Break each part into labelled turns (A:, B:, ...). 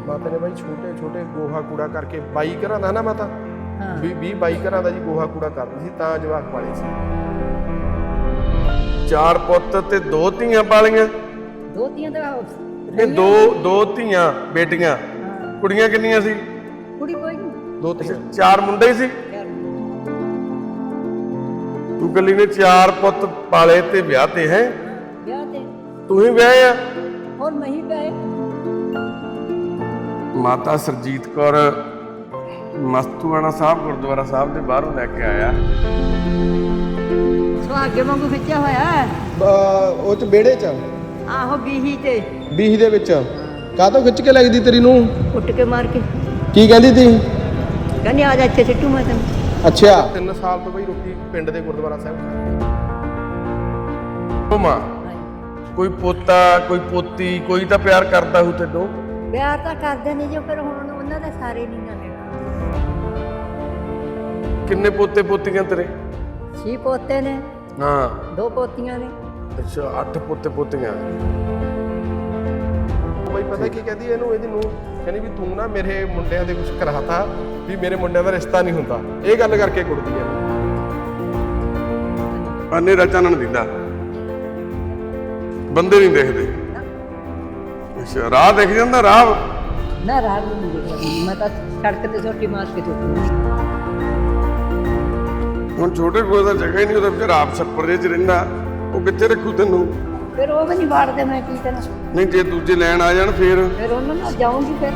A: ਮਾਤਾ ਨੇ ਬਾਈ ਛੋਟੇ ਛੋਟੇ ਗੋਹਾ ਕੂੜਾ ਕਰਕੇ 22 ਘਰਾਂ ਦਾ ਨਾ ਮਾਤਾ,
B: ਹਾਂ
A: 22 ਘਰਾਂ ਦਾ ਜੀ ਗੋਹਾ ਕੂੜਾ ਕਰਦੀ ਸੀ ਤਾਂ ਜਵਾਕ ਪਾਲੇ ਸੀ। 4 ਪੁੱਤ ਤੇ 2 ਧੀਆਂ ਪਾਲੀਆਂ।
B: 2 ਧੀਆਂ ਤਾਂ
A: ਇਹ ਦੋ ਧੀਆਂ ਬੇਟੀਆਂ। ਕੁੜੀਆਂ ਕਿੰਨੀਆਂ ਸੀ?
B: ਕੁੜੀ ਕੋਈ ਨਹੀਂ,
A: 2 ਧੀਆਂ। 4 ਮੁੰਡੇ ਸੀ। ਤੂੰ ਕੱਲੀ ਨੇ 4 ਪੁੱਤ ਪਾਲੇ ਤੇ ਵਿਆਹ ਤੇ ਹੈ।
B: ਵਿਆਹ ਤੇ
A: ਤੂੰ ਹੀ ਵਿਆਹ ਆ?
B: ਹੋਰ ਮੈਂ ਹੀ ਵਿਆਹੇ।
A: ਮਾਤਾ ਸਰਜੀਤ ਕੌਰ ਮਸਤੂਆਣਾ ਸਾਹਿਬ ਗੁਰਦੁਆਰਾ ਸਾਹਿਬ ਦੇ ਬਾਹਰੋਂ ਲੈ ਕੇ ਆਇਆ।
B: ਸੁਹਾਗੇ ਵਾਂਗੂ ਖਿੱਚਿਆ ਹੋਇਆ
A: ਉਹ ਚ ਵਿਹੜੇ ਚ
B: ਆਹੋ ਬੀਹੀ ਤੇ
A: ਬੀਹੀ ਦੇ ਵਿੱਚ ਕਾਹਤੋਂ ਖਿੱਚ ਕੇ ਲੱਗਦੀ ਤੇਰੀ ਨੂੰ?
B: ਉੱਟ ਕੇ ਮਾਰ ਕੇ
A: ਕੀ ਕਹਿੰਦੀ ਤੀ?
B: ਕਹਿੰਦੀ ਆ ਜਾ ਇੱਥੇ ਸਿੱਟੂ ਮੈਂ ਤੈਨੂੰ।
A: ਅੱਛਾ 3 ਸਾਲ ਤੋਂ ਬਈ ਰੋਟੀ ਪਿੰਡ ਦੇ ਗੁਰਦੁਆਰਾ ਸਾਹਿਬ ਉਹ ਮਾਂ ਕੋਈ ਪੋਤਾ ਕੋਈ ਪੋਤੀ ਕੋਈ ਤਾਂ ਪਿਆਰ ਕਰਦਾ ਹੂ ਤੈਨੂੰ?
B: ਪਿਆਰ ਤਾਂ ਕਰਦੇ ਨੇ ਜੋ ਫਿਰ ਹੁਣ ਉਹਨਾਂ ਦੇ ਸਾਰੇ ਨਹੀਂ ਨਾ ਲੈਣਾ।
A: ਕਿੰਨੇ ਪੋਤੇ ਪੋਤੀਆਂ ਤੇਰੇ?
B: 6 ਪੋਤੇ ਨੇ,
A: ਹਾਂ
B: 2 ਪੋਤੀਆਂ ਨੇ।
A: ਅੱਛਾ 8 ਪੋਤੇ ਪੋਤੀਆਂ। ਬਈ ਪਤਾ ਕੀ ਕਹਿੰਦੀ ਇਹਨੂੰ, ਇਹਦੀ ਨੂੰ ਕਹਿੰਦੀ ਵੀ ਤੂੰ ਨਾ ਮੇਰੇ ਮੁੰਡਿਆਂ ਦੇ ਕੁਝ ਕਰਾਤਾ ਵੀ ਮੇਰੇ ਮੁੰਡਿਆਂ ਦਾ ਰਿਸ਼ਤਾ ਨਹੀਂ ਹੁੰਦਾ। ਇਹ ਗੱਲ ਕਰਕੇ ਕੁੜਦੀ ਹੈ। ਹਨੇਰਾ ਚਾਨਣ ਦਿੰਦਾ, ਬੰਦੇ ਨਹੀਂ ਦੇਖਦੇ। ਅੱਛਾ ਰਾਹ ਦਿਖ ਜਾਂਦਾ? ਰਾਹ
B: ਨਾ ਰਾਹ ਨਹੀਂ ਦੇਖਿਆ ਮੈਂ ਤਾਂ ਸੜਕ ਤੇ ਛੋਟੀ ਮਾਰ ਕੇ ਤੁਰਦੀ।
A: ਹੁਣ ਛੋਟੇ ਕੋਲ ਦਾ ਜਗ੍ਹਾ ਹੀ ਨਹੀਂ, ਉਹਦਾ ਵਿਚਾਰਾ ਆਪ ਛੱਪਰ ਜਿਹੇ ਚ ਰਹਿੰਦਾ, ਉਹ ਕਿੱਥੇ ਰੱਖੂ ਤੈਨੂੰ?
B: ਫਿਰ ਉਹ ਵੀ ਨਹੀਂ ਵਾੜਦੇ, ਮੈਂ ਕੀ ਕਰਾਂ?
A: ਨਹੀਂ ਜੇ ਦੂਜੇ ਲੈਣ ਆ ਜਾਣ ਫੇਰ
B: ਉਹਨਾਂ ਨਾਲ ਜਾਊਂਗੀ ਫਿਰ।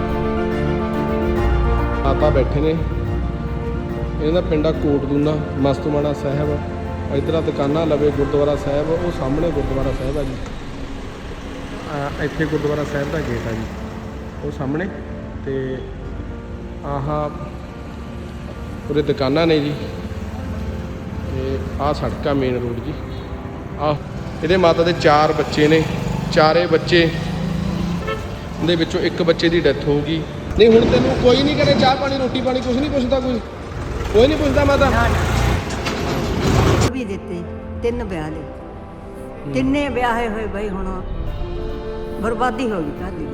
A: ਮਾਤਾ ਬੈਠੇ ਨੇ, ਇਹਨਾਂ ਦਾ ਪਿੰਡਾ ਕੋਟਦੂਨਾ ਮਸਤੂਆਣਾ ਸਾਹਿਬ। ਇੱਧਰ ਦੁਕਾਨਾਂ ਲਵੇ ਗੁਰਦੁਆਰਾ ਸਾਹਿਬ, ਉਹ ਸਾਹਮਣੇ ਗੁਰਦੁਆਰਾ ਸਾਹਿਬ ਆ ਜੀ। ਇੱਥੇ ਗੁਰਦੁਆਰਾ ਸਾਹਿਬ ਦਾ ਗੇਟ ਆ ਜੀ, ਉਹ ਸਾਹਮਣੇ। ਤੇ ਆਹ ਉਰੇ ਦੁਕਾਨਾਂ ਨੇ ਜੀ, ਤੇ ਆਹ ਸੜਕ ਆ ਮੇਨ ਰੋਡ ਜੀ। ਆਹ ਇਹਦੇ ਮਾਤਾ ਦੇ 4 ਬੱਚੇ ਨੇ, 4 ਬੱਚੇ ਦੇ ਵਿੱਚੋਂ 1 ਬੱਚੇ ਦੀ ਡੈਥ ਹੋ ਗਈ। ਨਹੀਂ ਹੁਣ ਤੈਨੂੰ ਕੋਈ ਨਹੀਂ ਕਰੇ ਚਾਹ ਪਾਣੀ ਰੋਟੀ ਪਾਣੀ ਕੁਝ ਨਹੀਂ ਪੁੱਛਦਾ? ਕੋਈ ਨਹੀਂ ਪੁੱਛਦਾ ਮਾਤਾ?
B: ਵੀ ਦਿੱਤੇ 3 ਵਿਆਹ ਲਏ, ਤਿੰਨੇ ਵਿਆਹੇ ਹੋਏ ਬਈ ਹੁਣ ਬਰਬਾਦੀ ਹੋ ਗਈ ਘਰ ਦੀ।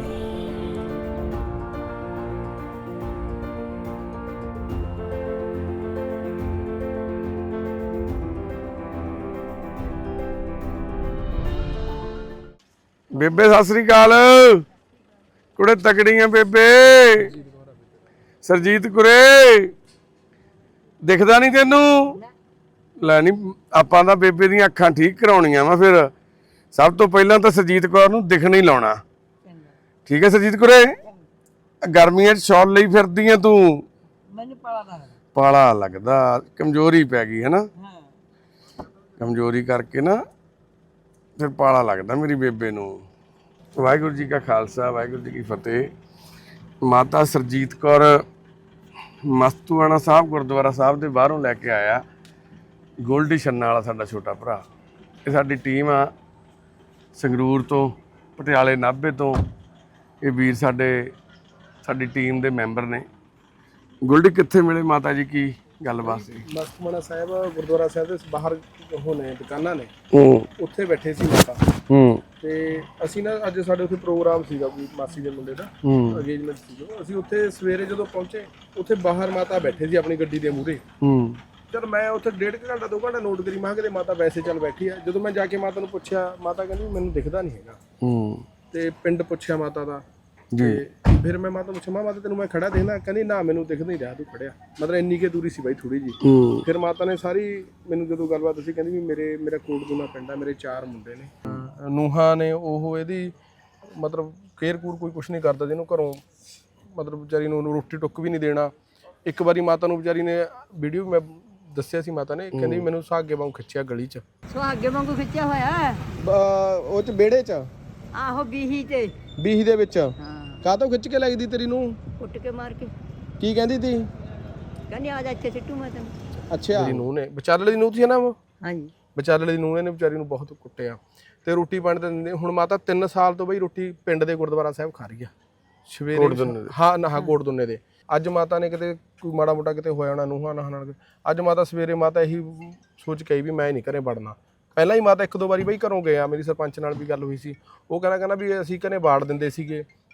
A: ਬੇਬੇ ਸਤਿ ਸ੍ਰੀ ਅਕਾਲ। ਕੁੜੇ ਤਕੜੀਆਂ ਬੇਬੇ। ਸਰਜੀਤ ਕੁਰੇ ਦਿਖਦਾ ਨਹੀਂ ਤੈਨੂੰ? ਲੈ ਨਹੀਂ ਆਪਾਂ ਤਾਂ ਬੇਬੇ ਦੀਆਂ ਅੱਖਾਂ ਠੀਕ ਕਰਾਉਣੀਆਂ ਵਾ। ਫਿਰ ਸਭ ਤੋਂ ਪਹਿਲਾਂ ਤਾਂ ਸਰਜੀਤ ਕੌਰ ਨੂੰ ਦਿਖਣ ਹੀ ਲਾਉਣਾ। ਠੀਕ ਹੈ ਸਰਜੀਤ ਕੁਰੇ? ਗਰਮੀਆਂ 'ਚ ਸ਼ਾਲ ਲਈ ਫਿਰਦੀ ਆ ਤੂੰ?
B: ਮੈਨੂੰ ਪਾਲਾ
A: ਪਾਲਾ ਲੱਗਦਾ, ਕਮਜ਼ੋਰੀ ਪੈ ਗਈ ਹੈ ਨਾ। ਕਮਜ਼ੋਰੀ ਕਰਕੇ ਨਾ ਫਿਰ ਪਾਲਾ ਲੱਗਦਾ ਮੇਰੀ ਬੇਬੇ ਨੂੰ। ਵਾਹਿਗੁਰੂ ਜੀ ਕਾ ਖਾਲਸਾ ਵਾਹਿਗੁਰੂ ਜੀ ਕੀ ਫਤਿਹ। ਮਾਤਾ ਸਰਜੀਤ ਕੌਰ ਮਸਤੂਆਣਾ ਸਾਹਿਬ ਗੁਰਦੁਆਰਾ ਸਾਹਿਬ ਦੇ ਬਾਹਰੋਂ ਲੈ ਕੇ ਆਇਆ ਗੋਲਡੀ ਛੰਨਾ ਵਾਲਾ ਸਾਡਾ ਛੋਟਾ ਭਰਾ। ਇਹ ਸਾਡੀ ਟੀਮ ਆ ਸੰਗਰੂਰ ਤੋਂ, ਪਟਿਆਲੇ ਨਾਭੇ ਤੋਂ। ਇਹ ਵੀਰ ਸਾਡੀ ਟੀਮ ਦੇ ਮੈਂਬਰ ਨੇ। ਗੋਲਡੀ ਕਿੱਥੇ ਮਿਲੇ ਮਾਤਾ ਜੀ, ਕੀ ਗੱਲਬਾਤ ਸੀ? ਮਸਤੂਆਣਾ ਸਾਹਿਬ ਗੁਰਦੁਆਰਾ ਸਾਹਿਬ ਦੇ ਬਾਹਰ ਹੋਣੇ ਦੁਕਾਨਾਂ ਨੇ, ਉੱਥੇ ਬੈਠੇ ਸੀ ਮਾਤਾ। ਤੇ ਅਸੀਂ ਨਾ ਅੱਜ ਸਾਡੇ ਉੱਥੇ ਪ੍ਰੋਗਰਾਮ ਸੀਗਾ ਕੋਈ ਮਾਸੀ ਦੇ ਮੁੰਡੇ ਦਾ ਅੰਗੇਜਮੈਂਟ ਸੀਗਾ। ਅਸੀਂ ਉੱਥੇ ਸਵੇਰੇ ਜਦੋਂ ਪਹੁੰਚੇ, ਉੱਥੇ ਬਾਹਰ ਮਾਤਾ ਬੈਠੇ ਸੀ ਆਪਣੀ ਗੱਡੀ ਦੇ ਮੂਹਰੇ। ਚਲ ਮੈਂ ਉੱਥੇ 1.5 ਘੰਟਾ 2 ਘੰਟਾ ਨੋਟ ਕਰੀ, ਮੈਂ ਕਿਹਾ ਕਿਤੇ ਮਾਤਾ ਵੈਸੇ ਚੱਲ ਬੈਠੀ ਆ। ਜਦੋਂ ਮੈਂ ਜਾ ਕੇ ਮਾਤਾ ਨੂੰ ਪੁੱਛਿਆ, ਮਾਤਾ ਕਹਿੰਦੀ ਮੈਨੂੰ ਦਿਖਦਾ ਨਹੀਂ ਹੈਗਾ। ਤੇ ਪਿੰਡ ਪੁੱਛਿਆ ਮਾਤਾ ਦਾ, ਤੇ ਫਿਰ ਮੈਂ ਮਾਤਾ ਨੂੰ ਪੁੱਛਿਆ ਮਾਤਾ ਤੈਨੂੰ ਮੈਂ ਖੜਾ ਦੇਖਦਾ? ਕਹਿੰਦੀ ਨਾ ਮੈਨੂੰ ਦਿਖਦਾ ਨਹੀਂ ਰਿਹਾ ਤੂੰ ਖੜਿਆ। ਮਤਲਬ ਇੰਨੀ ਕੇ ਦੂਰੀ ਸੀ ਬਾਈ ਥੋੜੀ ਜੀ। ਫਿਰ ਮਾਤਾ ਨੇ ਸਾਰੀ ਮੈਨੂੰ ਜਦੋਂ ਗੱਲਬਾਤ ਦੱਸੀ, ਕਹਿੰਦੀ ਵੀ ਮੇਰਾ ਕੋਟਦੂਨਾ ਪਿੰਡ ਆ, ਮੇਰੇ 4 ਮੁੰਡੇ ਨੇ, ਨੂਹਾਂ ਨੇ। ਉਹ ਇਹਦੀ ਮਤਲਬ ਕੇਅਰ ਕੂਰ ਕੋਈ ਕੁਛ ਨਹੀਂ ਕਰਦਾ, ਜਿਹਨੂੰ ਘਰੋਂ ਮਤਲਬ ਵਿਚਾਰੀ ਨੂੰ ਰੋਟੀ ਟੁੱਕ ਵੀ ਨਹੀਂ ਦੇਣਾ। ਇੱਕ ਵਾਰੀ ਮਾਤਾ ਨੂੰ ਵਿਚਾਰੀ ਨੇ ਵੀਡੀਓ ਮੈਂ ਦੱਸਿਆ ਸੀ, ਮਾਤਾ ਨੇ ਕਹਿੰਦੀ ਮੈਨੂੰ ਸੁਹਾਗੇ ਵਾਂਗੂ ਖਿੱਚਿਆ ਗਲੀ 'ਚ।
B: ਸੁਹਾਗੇ ਵਾਂਗੂ ਖਿੱਚਿਆ ਹੋਇਆ
A: ਉਹ 'ਚ ਵਿਹੜੇ 'ਚ
B: ਆਹੋ ਬੀਹੀ ਤੇ
A: ਬੀਹੀ ਦੇ ਵਿੱਚ।
B: ਹਾਂ
A: ਕਾਹਤੋਂ ਖਿੱਚ ਕੇ ਲੱਗਦੀ ਤੇਰੀ ਨੂੰ?
B: ਉੱਟ ਕੇ ਮਾਰ ਕੇ।
A: ਕੀ ਕਹਿੰਦੀ ਤੀ?
B: ਕਹਿੰਦੀ ਆ ਜਾ ਇੱਥੇ ਸਿੱਟੂ ਮੈਂ ਤੈਨੂੰ।
A: ਅੱਛਾ ਮੇਰੀ ਨੂੰਹ ਨੇ, ਵਿਚਾਲੇ ਦੀ ਨੂੰਹ ਸੀ ਨਾ ਉਹ?
B: ਹਾਂਜੀ
A: ਵਿਚਾਲੇ ਦੀ ਨੂੰਹ ਨੇ ਵਿਚਾਰੀ ਨੂੰ ਬਹੁਤ ਕੁੱਟਿਆ ਤੇ ਰੋਟੀ ਪਾਣੀ ਤਾਂ ਦਿੰਦੇ। ਹੁਣ ਮਾਤਾ 3 ਸਾਲ ਤੋਂ ਬਈ ਰੋਟੀ ਪਿੰਡ ਦੇ ਗੁਰਦੁਆਰਾ ਸਾਹਿਬ ਖਾ ਰਹੀ ਆ ਸਵੇਰੇ। ਹਾਂ ਨਾ ਕੋਟਦੁੰਨੇ ਦੇ। ਅੱਜ ਮਾਤਾ ਨੇ ਕਿਤੇ ਕੋਈ ਮਾੜਾ ਮੋਟਾ ਕਿਤੇ ਹੋਇਆ ਹੋਣਾ ਨੂੰਹਾਂ ਨਾਲ। ਅੱਜ ਮਾਤਾ ਸਵੇਰੇ ਮਾਤਾ ਇਹੀ ਸੋਚ ਕੇ ਆਈ ਵੀ ਮੈਂ ਨਹੀਂ ਘਰੇ ਵੜਨਾ। ਪਹਿਲਾਂ ਹੀ ਮਾਤਾ 1-2 ਵਾਰੀ ਬਈ ਘਰੋਂ ਗਏ ਆ, ਮੇਰੀ ਸਰਪੰਚ ਨਾਲ ਵੀ ਗੱਲ ਹੋਈ ਸੀ। ਉਹ ਕਹਿੰਦਾ ਵੀ ਅਸੀਂ ਘਰੇ ਬਾੜ ਦਿੰਦੇ ਸੀਗੇ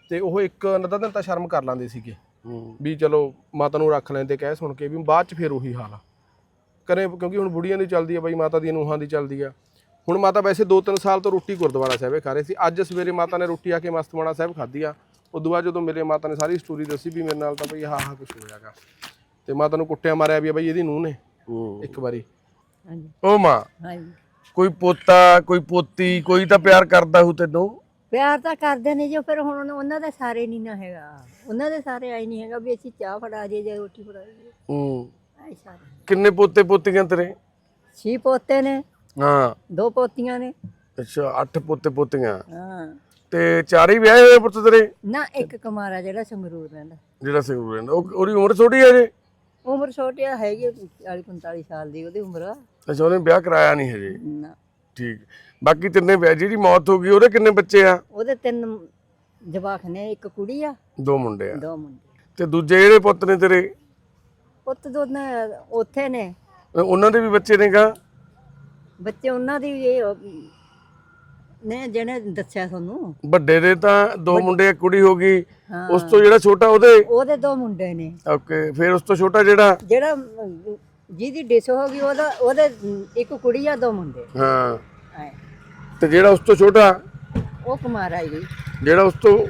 C: ਤੇ ਉਹ ਇੱਕ ਅੱਧਾ ਦਿਨ ਤਾਂ ਸ਼ਰਮ ਕਰ ਲੈਂਦੇ ਸੀਗੇ ਵੀ ਚਲੋ ਮਾਤਾ ਨੂੰ ਰੱਖ ਲੈਂਦੇ ਕਹਿ ਸੁਣ ਕੇ, ਵੀ ਬਾਅਦ ਚ ਫਿਰ ਉਹੀ ਹਾਲ ਆ ਕਰੇ, ਕਿਉਂਕਿ ਹੁਣ ਬੁੜੀਆਂ ਦੀ ਚੱਲਦੀ ਆ ਬਾਈ, ਮਾਤਾ ਦੀਆਂ ਨੂੰਹਾਂ ਦੀ ਚੱਲਦੀ ਆ। ਹੁਣ ਮਾਤਾ ਵੈਸੇ 2-3 ਸਾਲ ਤੋਂ ਰੋਟੀ ਗੁਰਦੁਆਰਾ ਸਾਹਿਬ ਖਾ ਰਹੇ ਸੀ। ਅੱਜ ਸਵੇਰੇ ਮਾਤਾ ਨੇ ਰੋਟੀ ਆ ਕੇ ਮਸਤਵਾਣਾ ਸਾਹਿਬ ਖਾਧੀ ਆ। ਉਦੋਂ ਬਾਅਦ ਜਦੋਂ ਮਿਲੇ ਮਾਤਾ ਨੇ ਸਾਰੀ ਸਟੋਰੀ ਦੱਸੀ ਵੀ ਮੇਰੇ ਨਾਲ ਤਾਂ ਬਈ ਆਹ ਕੁਝ ਹੋਇਆਗਾ, ਤੇ ਮਾਤਾ ਨੂੰ ਕੁੱਟਿਆ ਮਾਰਿਆ ਵੀ ਆ ਬਈ ਇਹਦੀ ਨੂੰਹ ਨੇ ਇੱਕ ਵਾਰੀ।
B: ਹਾਂਜੀ
A: ਉਹ ਮਾਂ
B: ਹਾਂਜੀ
A: ਕੋਈ ਪੋਤਾ ਕੋਈ ਪੋਤੀ ਕੋਈ ਤਾਂ ਪਿਆਰ ਕਰਦਾ ਹੂ ਤੈਨੂੰ?
B: ਪਿਆਰ ਤਾਂ ਕਰਦੇ ਨੇ ਜੋ, ਫਿਰ ਹੁਣ ਉਹਨਾਂ ਦੇ ਸਾਰੇ ਨਹੀਂ ਨਾ ਹੈਗਾ, ਉਹਨਾਂ ਦੇ ਸਾਰੇ ਆਈ ਨਹੀਂ ਹੈਗਾ ਵੀ ਅਸੀਂ ਚਾਹ ਫੜਾ ਜੇ ਜਾਂ ਰੋਟੀ ਫੜਾ ਜੇ। ਆਈ ਸਾਰੇ
A: ਕਿੰਨੇ ਪੋਤੇ ਪੋਤੀਆਂ ਤੇਰੇ?
B: 6 ਪੋਤੇ ਨੇ,
A: ਹਾਂ
B: 2 ਪੋਤੀਆਂ ਨੇ।
A: ਅੱਛਾ 8 ਪੋਤੇ ਪੋਤੀਆਂ,
B: ਹਾਂ
A: ਤੇ 4 ਹੀ ਵਿਆਹੇ ਹੋਏ ਪੁੱਤ ਤੇਰੇ?
B: ਨਾ ਇੱਕ ਕੁਮਾਰਾ ਜਿਹੜਾ ਸੰਗਰੂਰ ਰਹਿੰਦਾ।
A: ਜਿਹੜਾ ਸੰਗਰੂਰ ਰਹਿੰਦਾ ਉਹਦੀ ਉਮਰ ਛੋਟੀ ਹੈ ਜੇ?
B: ਉਮਰ ਛੋਟੀ ਹੈਗੀ 40-45 ਸਾਲ ਦੀ ਉਹਦੀ ਉਮਰ।
A: ਅੱਛਾ ਉਹਨੇ ਵਿਆਹ ਕਰਾਇਆ ਨਹੀਂ ਹਜੇ?
B: ਨਾ
A: ਠੀਕ। ਬਾਕੀ ਤਿੰਨੇ ਵਿਆਹ, ਜਿਹੜੀ ਮੌਤ ਹੋ ਗਈ ਉਹਦੇ ਕਿੰਨੇ ਬੱਚੇ ਆ?
B: ਉਹਦੇ 3 ਜਵਾਕ ਨੇ, ਇੱਕ ਕੁੜੀ ਆ
A: 2 ਮੁੰਡੇ ਆ।
B: 2 ਮੁੰਡੇ।
A: ਤੇ ਦੂਜੇ ਜਿਹੜੇ ਪੁੱਤ ਨੇ ਤੇਰੇ?
B: ਪੁੱਤ ਦੋਨੇ ਉੱਥੇ ਨੇ।
A: ਉਹਨਾਂ ਦੇ ਵੀ ਬੱਚੇ ਨੇਗਾ?
B: ਬੱਚੇ ਉਹਨਾਂ ਦੀ ਇਹ ਨੇ ਜਿਹਨੇ ਦੱਸਿਆ ਤੁਹਾਨੂੰ।
A: ਵੱਡੇ ਦੇ ਤਾਂ 2 ਮੁੰਡੇ ਇੱਕ ਕੁੜੀ ਹੋ ਗਈ,
B: ਹਾਂ।
A: ਉਸ ਤੋਂ ਜਿਹੜਾ ਛੋਟਾ ਉਹਦੇ
B: 2 ਮੁੰਡੇ ਨੇ।
A: ਓਕੇ, ਫਿਰ ਉਸ ਤੋਂ ਛੋਟਾ ਜਿਹੜਾ
B: ਜਿਹਦੀ ਡਿਸ ਹੋ ਗਈ ਉਹਦੇ ਇੱਕ ਕੁੜੀ ਆ 2 ਮੁੰਡੇ।
A: ਹਾਂ,
B: ਆਏ।
A: ਤੇ ਜਿਹੜਾ ਉਸ ਤੋਂ ਛੋਟਾ
B: ਉਹ ਕੁਮਾਰਾ ਹੀ
A: ਜਿਹੜਾ ਉਸ ਤੋਂ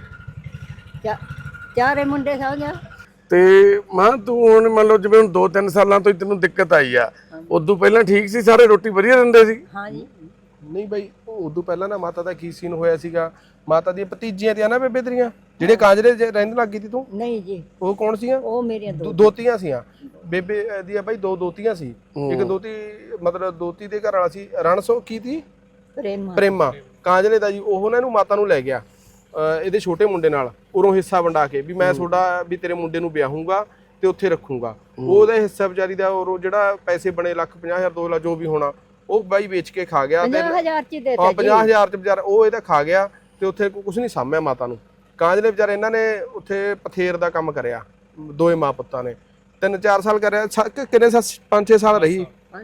B: 4 ਮੁੰਡੇ ਸਮਝਿਆ।
A: ਤੇ ਮਾਂ ਤੂੰ ਹੁਣ ਮੰਨ ਲਓ ਜਿਵੇਂ ਹੁਣ 2-3 ਸਾਲਾਂ ਤੋਂ ਹੀ ਤੈਨੂੰ ਦਿੱਕਤ ਆਈ ਆ, ਉਦੋਂ ਪਹਿਲਾਂ ਠੀਕ ਸੀ? ਸਾਰੇ ਰੋਟੀ ਵਧੀਆ ਦਿੰਦੇ ਸੀ?
B: ਹਾਂ ਜੀ।
C: ਨਹੀਂ ਬਾਈ ਉਦੋਂ ਪਹਿਲਾਂ ਨਾ ਮਾਤਾ ਦਾ ਕੀ ਸੀਨ ਹੋਇਆ ਸੀਗਾ, ਮਾਤਾ ਦੀਆਂ ਭਤੀਜੀਆਂ ਤੇ ਆ ਨਾ ਬੇਬੇ ਤੇਰੀਆਂ ਜਿਹੜੇ ਕਾਂਜਰੇ ਰਹਿਣ ਲੱਗ ਗਈ ਤੀ ਤੂੰ?
B: ਨਹੀਂ ਜੀ।
C: ਉਹ ਕੌਣ ਸੀਆਂ?
B: ਉਹ ਮੇਰੀਆਂ 2
C: ਦੋਤੀਆਂ ਸੀਆਂ ਬੇਬੇ ਦੀਆਂ ਬਾਈ। 2 ਦੋਤੀਆਂ ਸੀ। ਇੱਕ ਦੋਤੀ ਮਤਲਬ ਦੋਤੀ ਦੇ ਘਰ ਵਾਲਾ ਸੀ ਰਣਸੋ ਕੀ ਤੀ ਪ੍ਰੇਮਾ ਕਾਂਜਲੇ ਦਾ ਜੀ। ਉਹ ਨਾ ਇਹਨੂੰ ਮਾਤਾ ਨੂੰ ਲੈ ਗਿਆ ਇਹਦੇ ਛੋਟੇ ਮੁੰਡੇ ਨਾਲ, ਉਰੋਂ ਹਿੱਸਾ ਵੰਡਾ ਕੇ ਵੀ ਮੈਂ ਤੁਹਾਡਾ ਵੀ ਤੇਰੇ ਮੁੰਡੇ ਨੂੰ ਵਿਆਹੂੰਗਾ ਤੇ ਉੱਥੇ ਰੱਖੂੰਗਾ। ਉਹਦਾ ਹਿੱਸਾ ਵਿਚਾਰੀ ਦਾ ਉਹ ਜਿਹੜਾ ਪੈਸੇ ਬਣੇ 1,50,000 2 ਲੱਖ ਜੋ ਵੀ ਹੋਣਾ ਉਹ ਬਾਈ ਵੇਚ ਕੇ ਖਾ ਗਿਆ।
B: 50,000 ਚ ਦੇਤਾ
C: ਜੀ। 50,000 ਚ ਵਿਚਾਰਾ ਉਹ ਇਹਦਾ ਖਾ ਗਿਆ ਤੇ ਉੱਥੇ ਕੁਝ ਨਹੀਂ ਸਾਂਭਿਆ ਮਾਤਾ ਨੂੰ। ਕਾਂਜਲੇ ਵਿਚਾਰੇ ਇਹਨਾਂ ਨੇ ਉੱਥੇ ਪਥੇਰ ਦਾ ਕੰਮ ਕਰਿਆ, 2 ਮਾਂ ਪੁੱਤਾਂ ਨੇ। 3-4 ਸਾਲ ਕਰਿਆ। ਕਿੰਨੇ ਸਾਲ? 5-6 ਸਾਲ ਰਹੀ।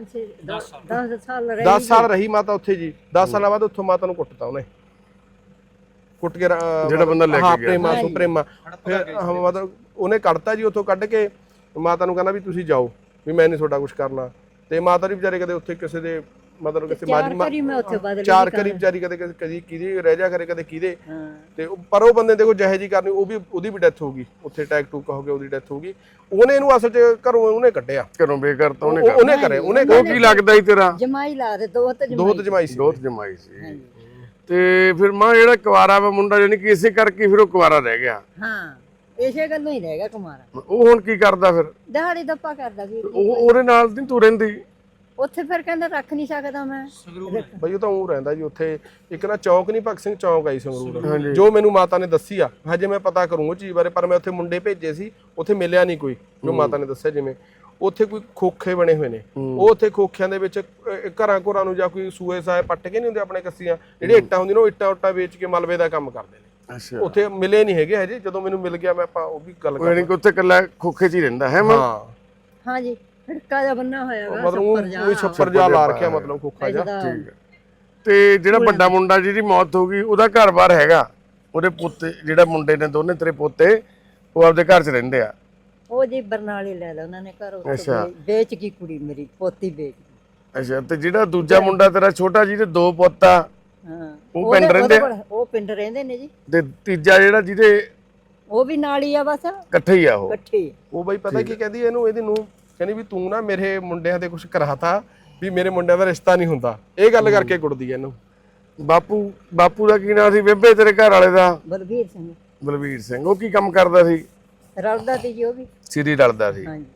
C: 10 ਸਾਲ ਰਹੀ ਮਾਤਾ ਉੱਥੇ ਜੀ। 10 ਸਾਲਾਂ ਬਾਅਦ ਉੱਥੋਂ ਮਾਤਾ ਨੂੰ ਕੁੱਟਤਾ ਉਹਨੇ, ਕੁੱਟ ਕੇ
A: ਜਿਹੜਾ ਬੰਦਾ ਲੈ ਕੇ ਗਿਆ
C: ਪ੍ਰੇਮਾ ਫਿਰ ਮਤਲਬ ਉਹਨੇ ਕੱਢਤਾ ਜੀ ਉੱਥੋਂ। ਕੱਢ ਕੇ ਮਾਤਾ ਨੂੰ ਕਹਿੰਦਾ ਵੀ ਤੁਸੀਂ ਜਾਓ, ਵੀ ਮੈਂ ਨਹੀਂ ਤੁਹਾਡਾ ਕੁਝ ਕਰਨਾ। ਤੇ ਮਾਤਾ ਦੀ ਵਿਚਾਰੇ ਕਦੇ ਉੱਥੇ ਕਿਸੇ ਦੇ ਮਤਲਬ ਕਿਸੇ 4 ਕਰੀ ਵਿਚਾਰੀ ਕਦੇ ਕਦੀ ਕਿਹਦੀ ਰਹਿ ਜਾ ਕਰੇ, ਕਦੇ ਕਿਹਦੇ। ਤੇ ਪਰ ਉਹ ਬੰਦੇ ਦੇਖੋ ਜਿਹੇ ਜੀ ਕਰਨੀ, ਉਹ ਵੀ ਉਹਦੀ ਵੀ ਡੈਥ ਹੋ ਗਈ ਉੱਥੇ, ਅਟੈਕ ਟੂਕ ਹੋ ਗਿਆ, ਉਹਦੀ ਡੈਥ ਹੋ ਗਈ। ਉਹਨੇ ਇਹਨੂੰ ਅਸਲ 'ਚ ਘਰੋਂ ਉਹਨੇ ਕੱਢਿਆ,
A: ਘਰੋਂ ਬੇਘਰ ਤਾਂ
C: ਉਹਨੇ ਕਰੇ।
A: ਉਹ ਕੀ ਲੱਗਦਾ ਸੀ ਤੇਰਾ?
B: ਜਮਾਈ ਲਾ ਦੇ। 2
C: ਜਮਾਈ ਸੀ।
A: 2 ਜਮਾਈ ਸੀ। ਤੇ ਫਿਰ ਮਾਂ ਜਿਹੜਾ ਕੁਵਾਰਾ ਵਾ ਮੁੰਡਾ ਜਾਨੀ ਕਿ ਇਸੇ ਕਰਕੇ ਫਿਰ ਉਹ ਕੁਵਾਰਾ ਰਹਿ ਗਿਆ?
B: ਹਾਂ ਇਸੇ ਗੱਲੋਂ ਹੀ ਰਹਿ ਗਿਆ ਕੁਮਾਰਾ।
A: ਉਹ ਹੁਣ ਕੀ ਕਰਦਾ ਫਿਰ?
B: ਦਿਹਾੜੀ ਦੱਪਾ ਕਰਦਾ ਵੀ।
A: ਉਹਦੇ ਨਾਲ ਨਹੀਂ ਤੂੰ ਰਹਿੰਦੀ
B: ਉੱਥੇ? ਫਿਰ ਕਹਿੰਦਾ ਰੱਖ ਨਹੀਂ ਸਕਦਾ ਮੈਂ
C: ਬਈ। ਉਹ ਤਾਂ ਉਹ ਰਹਿੰਦਾ ਜੀ ਉੱਥੇ। ਇੱਕ ਨਾ ਚੌਕ ਨਹੀਂ, ਭਗਤ ਸਿੰਘ ਚੌਕ ਆਈ ਸੰਗਰੂਰ, ਜੋ ਮੈਨੂੰ ਮਾਤਾ ਨੇ ਦੱਸੀ ਆ। ਹਜੇ ਮੈਂ ਪਤਾ ਕਰੂੰ ਉਹ ਚੀਜ਼ ਬਾਰੇ, ਪਰ ਮੈਂ ਉੱਥੇ ਮੁੰਡੇ ਭੇਜੇ ਸੀ, ਉੱਥੇ ਮਿਲਿਆ ਨਹੀਂ ਕੋਈ ਜੋ ਮਾਤਾ ਨੇ ਦੱਸਿਆ। ਜਿਵੇਂ ਉੱਥੇ ਕੋਈ ਖੋਖੇ ਬਣੇ ਹੋਏ ਨੇ, ਉਹ ਉੱਥੇ ਖੋਖਿਆਂ ਦੇ ਵਿੱਚ ਘਰਾਂ ਘਰਾਂ ਨੂੰ ਜਾਂ ਕੋਈ ਸੂਏ ਸਾਏ ਪੱਟ ਕੇ ਨਹੀਂ ਹੁੰਦੇ ਆਪਣੇ ਕੱਸੀਆਂ, ਜਿਹੜੇ ਇੱਟਾਂ ਹੁੰਦੀਆਂ ਨੇ, ਉਹ ਇੱਟਾਂ ਉੱਟਾਂ ਵੇਚ ਕੇ ਮਲਬੇ ਦਾ ਕੰਮ ਕਰਦੇ ਨੇ।
A: ਅੱਛਾ।
C: ਉੱਥੇ ਮਿਲੇ ਨਹੀਂ ਹੈਗੇ ਹਜੇ। ਜਦੋਂ ਮੈਨੂੰ ਮਿਲ ਗਿਆ ਮੈਂ ਆਪਾਂ ਉਹ ਵੀ ਗੱਲ ਕਰ।
A: ਯਾਨੀ ਕਿ ਉੱਥੇ ਇਕੱਲਾ ਖੋਖੇ 'ਚ ਹੀ ਰਹਿੰਦਾ ਹੈ ਮਾਂ?
B: ਹਾਂ ਜੀ। ਫਿੜਕਾ ਜਿਹਾ ਬੰਨਾ ਹੋਇਆ ਵਾ,
C: ਮਤਲਬ ਉਹ ਛੱਪਰ ਜਾ ਲਾ ਰੱਖਿਆ, ਮਤਲਬ ਖੋਖਾ ਜਾ।
A: ਠੀਕ ਹੈ। ਤੇ ਜਿਹੜਾ ਵੱਡਾ ਮੁੰਡਾ ਜਿਹਦੀ ਮੌਤ ਹੋ ਗਈ, ਉਹਦਾ ਘਰ-ਬਾਰ ਹੈਗਾ? ਉਹਦੇ ਪੁੱਤੇ ਜਿਹੜੇ ਮੁੰਡੇ ਨੇ ਦੋਨੇ ਤੇਰੇ ਪੋਤੇ, ਉਹ ਆਪਦੇ ਘਰ 'ਚ ਰਹਿੰਦੇ ਆ?
B: ਉਹ ਜੀ ਬਰਨਾਲੇ ਲੈ ਲਿਆ ਉਹਨਾਂ ਨੇ ਘਰ, ਵੇਚ ਗਈ ਕੁੜੀ ਮੇਰੀ, ਪੋਤੀ ਵੇਚ ਗਈ।
A: ਅੱਛਾ। ਤੇ ਜਿਹੜਾ ਦੂਜਾ ਮੁੰਡਾ ਤੇਰਾ ਛੋਟਾ ਜਿਹਦੇ 2 ਪੁੱਤ ਆ,
B: ਹਾਂ,
A: ਉਹ ਪਿੰਡ ਰਹਿੰਦੇ ਆ?
B: ਉਹ ਪਿੰਡ ਰਹਿੰਦੇ ਨੇ ਜੀ।
A: ਤੇ ਤੀਜਾ ਜਿਹੜਾ ਜਿਹਦੇ?
B: ਉਹ ਵੀ ਨਾਲ ਹੀ ਆ, ਬਸ
A: ਇਕੱਠੇ ਹੀ ਆ ਉਹ?
B: ਇਕੱਠੇ।
C: ਉਹ ਬਾਈ ਪਤਾ ਕੀ ਕਹਿੰਦੀ ਇਹਨੂੰ, ਇਹਦੀ ਨੂੰ ਕਹਿੰਦੀ ਵੀ ਤੂੰ ਨਾ ਮੇਰੇ ਮੁੰਡਿਆਂ ਦੇ ਕੁਝ ਕਰਾਤਾ, ਵੀ ਮੇਰੇ ਮੁੰਡਿਆਂ ਦਾ ਰਿਸ਼ਤਾ ਨਹੀਂ ਹੁੰਦਾ। ਇਹ ਗੱਲ ਕਰਕੇ ਕੁੱਟਦੀ ਐ ਇਹਨੂੰ। ਬਾਪੂ ਦਾ ਕੀ ਨਾਂ ਸੀ ਬੇਬੇ ਤੇਰੇ ਘਰ ਵਾਲੇ ਦਾ?
B: ਬਲਵੀਰ ਸਿੰਘ।
A: ਬਲਵੀਰ ਸਿੰਘ। ਉਹ ਕੀ ਕੰਮ ਕਰਦਾ ਸੀ?
B: ਰਲਦਾ ਸੀ ਜੀ ਉਹ ਵੀ।
A: ਸਿਰੀ ਰਲਦਾ ਸੀ।
B: ਹਾਂਜੀ।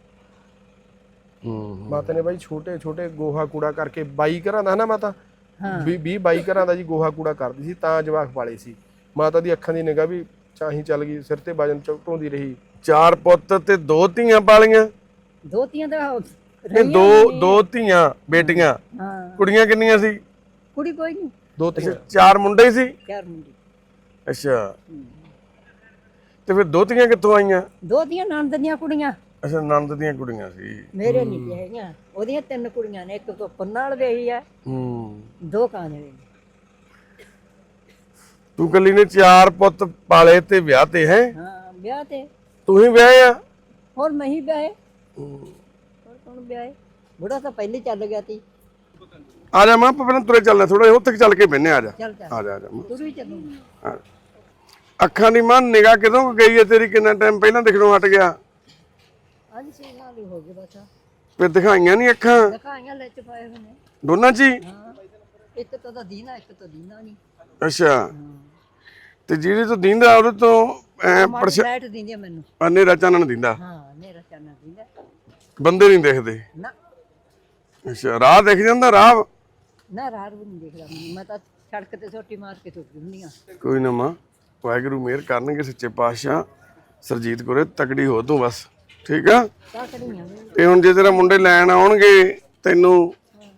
C: ਮਾਤਾ ਨੇ ਬਾਈ ਛੋਟੇ ਛੋਟੇ ਗੋਹਾ ਕੂੜਾ ਕਰਕੇ 22 ਘਰਾਂ ਦਾ ਨਾ ਮਾਤਾ, 20-22 ਘਰਾਂ ਦਾ ਜੀ ਗੋਹਾ ਕੂੜਾ ਕਰਦੀ ਸੀ, ਤਾਂ ਜਵਾਕ ਪਾਲੇ ਸੀ। ਮਾਤਾ ਦੀ ਅੱਖਾਂ ਦੀ ਨਿਗਾਹ ਵੀ ਚਾਹੀ ਚੱਲ ਗਈ, ਸਿਰ ਤੇ ਵਜਨ ਢੋਂਦੀ ਰਹੀ।
A: 4 ਪੁੱਤ ਤੇ 2 ਧੀਆਂ ਪਾਲੀਆਂ?
B: 2 ਧੀਆਂ ਦਾ?
A: ਇਹ 2 ਧੀਆਂ ਬੇਟੀਆਂ?
B: ਹਾਂ।
A: ਕੁੜੀਆਂ ਕਿੰਨੀਆਂ ਸੀ?
B: ਕੁੜੀ ਕੋਈ ਨਹੀਂ।
C: 2 ਧੀਆਂ।
A: 4 ਮੁੰਡੇ ਹੀ ਸੀ?
B: 4 ਮੁੰਡੇ।
A: ਅੱਛਾ। ਤੇ ਫਿਰ 2 ਧੀਆਂ ਕਿੱਥੋਂ ਆਈਆਂ?
B: 2 ਧੀਆਂ ਨਣਦ ਦੀਆਂ ਕੁੜੀਆਂ।
A: ਅੱਛਾ, ਨਣਦ ਦੀਆਂ ਕੁੜੀਆਂ ਸੀ।
B: ਮੇਰੇ ਨਹੀਂ ਹੈਗੀਆਂ, ਉਹਦੀਆਂ 3 ਕੁੜੀਆਂ ਨੇ, ਇੱਕ ਤੋਂ ਨਾਲ ਵਿਆਹੀ ਆ, 2 ਕਾਂਜਲੇ ਨੇ।
A: ਤੂੰ ਕੱਲੀ ਨੇ 4 ਪੁੱਤ ਪਾਲੇ ਤੇ ਵਿਆਹ ਤੇ ਹੈ।
B: ਹਾਂ ਵਿਆਹ ਤੇ
A: ਤੂੰ ਹੀ ਵਿਆਹੇ ਆ।
B: ਹੋਰ ਮੈਂ ਹੀ ਵਿਆਹੇ, ਹੋਰ ਕੌਣ ਵਿਆਹੇ? ਬੁੜਾ ਤਾਂ ਪਹਿਲੇ ਚੱਲ ਗਿਆ ਸੀ।
A: ਆ ਜਾ ਮਾਂ, ਆਪਾਂ ਪਹਿਲਾਂ ਤੁਰੇ ਚੱਲਣਾ, ਥੋੜਾ ਉੱਥੇ ਚੱਲ ਕੇ ਬਹਿਨੇ। ਆ ਜਾ
B: ਚੱਲ ਚੱਲ
A: ਆ ਜਾ ਆ ਜਾ ਮਾਂ।
B: ਤੂੰ ਵੀ ਚੱਲੂਗੀ।
A: ਆ। ਅੱਖਾਂ ਦੀ ਮਾਂ ਨਿਗਾਹ ਕਿਦੋਂ ਕੁ ਗਈ ਹੈ ਤੇਰੀ? ਕਿੰਨਾ ਟਾਈਮ ਪਹਿਲਾਂ ਦਿਖਣੋਂ ਹਟ ਗਿਆ?
B: ਅੱਜ 6 ਸਾਲ ਹੀ ਹੋ ਗਏ ਬਸ।
A: ਫਿਰ ਦਿਖਾਈਆਂ ਨਹੀਂ ਅੱਖਾਂ
B: ਦਿਖਾਈਆਂ ਲੈ ਚ ਪਾਏ ਹੋਏ ਨੇ।
A: ਦੋਨਾਂ 'ਚ ਹੀ?
B: ਹਾਂ ਇੱਕ ਤਾਂ ਦੀਨਾ, ਇੱਕ ਤਾਂ ਦੀਨਾ ਨਹੀਂ।
A: ਅੱਛਾ, ਤੇ ਜਿਹੜੀ ਤੋਂ ਦੀਂਦਾ ਉਹਦੇ ਤੋਂ
B: ਲਾਈਟ ਦਿੰਦੀ ਆ ਮੈਨੂੰ।
A: ਹਨੇਰਾ ਚਾਨਣ ਦਿੰਦਾ।
B: ਹਾਂ ਹਨੇਰਾ ਚਾਨਣ ਦਿੰਦਾ।
A: ਬੰਦੇ ਨਹੀਂ ਦਿਖਦੇ?
B: ਨਾ
A: ਅੱਛਾ, ਰਾਹ ਦਿਖ ਜਾਂਦਾ? ਰਾਹ
B: ਨਾ ਰਾਹ ਵੀ ਨਹੀਂ ਦੇਖਦਾ ਮੈਨੂੰ। ਮੈਂ ਤਾਂ ਸੜਕ ਤੇ ਛੋਟੀ ਮਾਰ ਕੇ ਤੁਰ ਜਾਂਦੀ ਆ।
A: ਕੋਈ ਨਾ ਮਾਂ, ਵਾਹਿਗੁਰੂ ਮਿਹਰ ਕਰਨਗੇ ਸੱਚੇ ਪਾਤਸ਼ਾਹ। ਸਰਜੀਤ ਕੋਲੇ ਤਕੜੀ ਹੋ ਤੂੰ ਬਸ, ਠੀਕ ਆ?
B: ਤਾਂ ਕੜੀਆਂ
A: ਤੇ ਹੁਣ ਜੇ ਤੇਰਾ ਮੁੰਡੇ ਲੈਣ ਆਉਣਗੇ ਤੈਨੂੰ,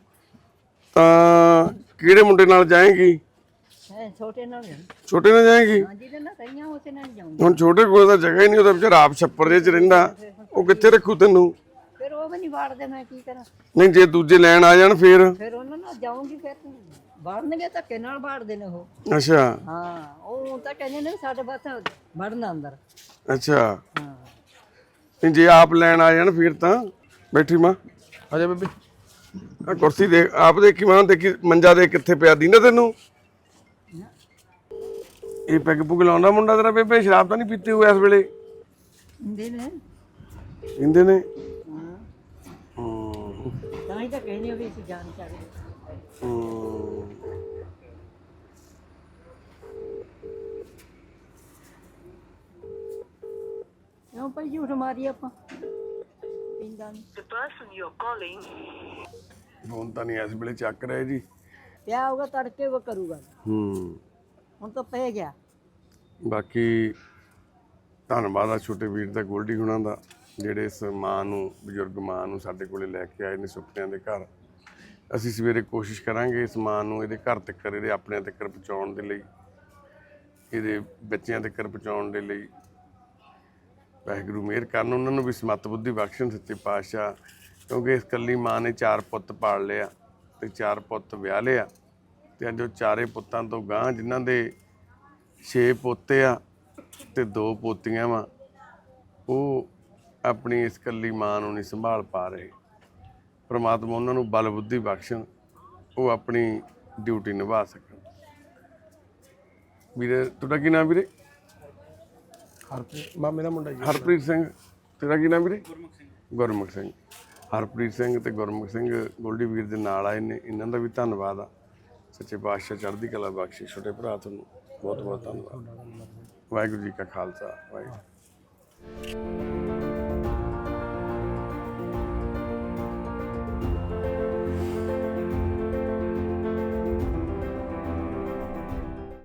A: ਤਾਂ ਕਿਹੜੇ ਮੁੰਡੇ ਨਾਲ ਜਾਏਂਗੀ?
B: ਹੈ ਛੋਟੇ ਨਾਲ ਜਾਊਂ।
A: ਛੋਟੇ ਨਾਲ ਜਾਏਂਗੀ?
B: ਹਾਂ ਜਿਹਦੇ ਨਾਲ ਕਈਆਂ ਉਸੇ ਨਾਲ ਜਾਊਂਗੀ।
A: ਹੁਣ ਛੋਟੇ ਕੋਲ ਤਾਂ ਜਗ੍ਹਾ ਹੀ ਨਹੀਂ, ਉਹਦਾ ਵਿਚਾਰਾ ਆਪ ਛੱਪੜ ਦੇ 'ਚ ਰਹਿੰਦਾ, ਉਹ ਕਿੱਥੇ ਰੱਖੂ ਤੈਨੂੰ?
B: ਫਿਰ ਉਹ ਵੀ ਨਹੀਂ ਵਾੜਦੇ, ਮੈਂ ਕੀ ਕਰਾਂ?
A: ਨਹੀਂ ਜੇ ਦੂਜੇ ਲੈਣ ਆ ਜਾਣ ਫਿਰ?
B: ਫਿਰ ਉਹਨਾਂ ਨਾਲ ਜਾਊਂਗੀ। ਫਿਰ ਵਾੜਨਗੇ, ਧੱਕੇ ਨਾਲ ਵਾੜਦੇ ਨੇ ਉਹ।
A: ਅੱਛਾ
B: ਹਾਂ ਉਹ ਤਾਂ ਕਹਿੰਦੇ ਨੇ ਸਾਡੇ ਬਸ ਵੜਨਾ ਅੰਦਰ।
A: ਅੱਛਾ,
B: ਹਾਂ
A: ਨਹੀਂ ਜੇ ਆਪ ਲੈਣ ਆ ਜਾਣ ਫਿਰ ਤਾਂ। ਬੈਠੀ ਮਾਂ,
C: ਆ ਜਾ ਬੇਬੇ।
A: ਆ ਕੁਰਸੀ ਦੇ ਆਪ ਦੇਖੀ ਮਾਂ, ਦੇਖੀ ਮੰਜਾ ਦੇ ਕਿੱਥੇ ਪਿਆ ਦੀਂਦਾ ਤੈਨੂੰ? ਇਹ ਪੈਗ ਪੁਗ ਲਾਉਂਦਾ ਮੁੰਡਾ ਤੇਰਾ ਬੇਬੇ? ਸ਼ਰਾਬ ਤਾਂ ਨਹੀਂ ਪੀਤੀ ਹੋਈ ਇਸ ਵੇਲੇ?
B: ਹੁੰਦੇ ਨੇ।
A: ਪੀਂਦੇ ਨੇ?
B: ਹਾਂ
A: ਹੂੰ
B: ਤਾਂ ਹੀ ਤਾਂ ਕਹਿੰਦੇ ਵੀ ਅਸੀਂ ਜਾਣ ਚਾਹੀਏ।
A: ਹੂੰ।
B: ਕਿਉਂ ਭਾਈ ਝੂਠ ਮਾਰੀ ਆਪਾਂ? ਪੀਂਦਾ ਨਹੀਂ।
A: ਫੋਨ ਤਾਂ ਨਹੀਂ ਇਸ ਵੇਲੇ ਚੱਕ ਰਿਹਾ ਜੀ।
B: ਪਿਆ ਹੋਊਗਾ ਤੜਕੇ ਉਹ ਕਰੂਗਾ।
A: ਹੂੰ।
B: ਹੁਣ ਤਾਂ ਪੈ ਗਿਆ।
A: ਬਾਕੀ ਧੰਨਵਾਦ ਆ ਛੋਟੇ ਵੀਰ ਦਾ, ਗੋਲਡੀ ਹੁਣਾਂ ਦਾ, ਜਿਹੜੇ ਇਸ ਮਾਂ ਨੂੰ, ਬਜ਼ੁਰਗ ਮਾਂ ਨੂੰ ਸਾਡੇ ਕੋਲੇ ਲੈ ਕੇ ਆਏ ਨੇ ਸੁਪਨਿਆਂ ਦੇ ਘਰ। ਅਸੀਂ ਸਵੇਰੇ ਕੋਸ਼ਿਸ਼ ਕਰਾਂਗੇ ਇਸ ਮਾਂ ਨੂੰ ਇਹਦੇ ਘਰ ਤੱਕ, ਇਹਦੇ ਆਪਣਿਆਂ ਤੱਕ ਪਹੁੰਚਾਉਣ ਦੇ ਲਈ, ਇਹਦੇ ਬੱਚਿਆਂ ਤੱਕ ਪਹੁੰਚਾਉਣ ਦੇ ਲਈ। ਵਾਹਿਗੁਰੂ ਮਿਹਰ ਕਰਨ, ਉਹਨਾਂ ਨੂੰ ਵੀ ਸਮੱਤ ਬੁੱਧੀ ਬਖਸ਼ਣ ਸੱਚੇ ਪਾਤਸ਼ਾਹ। ਕਿਉਂਕਿ ਇਸ ਇਕੱਲੀ ਮਾਂ ਨੇ 4 ਪੁੱਤ ਪਾਲ ਲਿਆ ਤੇ 4 ਪੁੱਤ ਵਿਆਹ ਲਿਆ, ਤੇ ਅੱਜ ਉਹ 4 ਪੁੱਤਾਂ ਤੋਂ ਗਾਂਹ ਜਿਨ੍ਹਾਂ ਦੇ 6 ਪੋਤੇ ਆ ਤੇ 2 ਪੋਤੀਆਂ ਵਾ, ਉਹ ਆਪਣੀ ਇਸ ਇਕੱਲੀ ਮਾਂ ਨੂੰ ਨਹੀਂ ਸੰਭਾਲ ਪਾ ਰਹੇ। ਪ੍ਰਮਾਤਮਾ ਉਹਨਾਂ ਨੂੰ ਬਲ ਬੁੱਧੀ ਬਖਸ਼ਣ, ਉਹ ਆਪਣੀ ਡਿਊਟੀ ਨਿਭਾ ਸਕਣ। ਵੀਰੇ ਤੁਹਾਡਾ ਕੀ ਨਾਮ ਵੀਰੇ?
C: ਹਰਪ੍ਰੀਤ ਮਾਮੇ ਦਾ ਮੁੰਡਾ ਜੀ।
A: ਹਰਪ੍ਰੀਤ ਸਿੰਘ। ਤੇਰਾ ਕੀ ਨਾਮ ਵੀਰੇ? ਗੁਰਮੁਖ ਸਿੰਘ। ਹਰਪ੍ਰੀਤ ਸਿੰਘ ਤੇ ਗੁਰਮੁਖ ਸਿੰਘ ਗੋਲਡੀ ਵੀਰ ਦੇ ਨਾਲ ਆਏ ਨੇ, ਇਹਨਾਂ ਦਾ ਵੀ ਧੰਨਵਾਦ ਆ। ਸੱਚੇ ਪਾਤਸ਼ਾਹ ਚੜ੍ਹਦੀ ਕਲਾ ਬਖਸ਼ੇ। ਛੋਟੇ ਭਰਾ ਤੁਹਾਨੂੰ ਬਹੁਤ ਬਹੁਤ ਧੰਨਵਾਦ। ਵਾਹਿਗੁਰੂ ਜੀ ਕਾ ਖਾਲਸਾ, ਵਾਹਿਗੁਰੂ।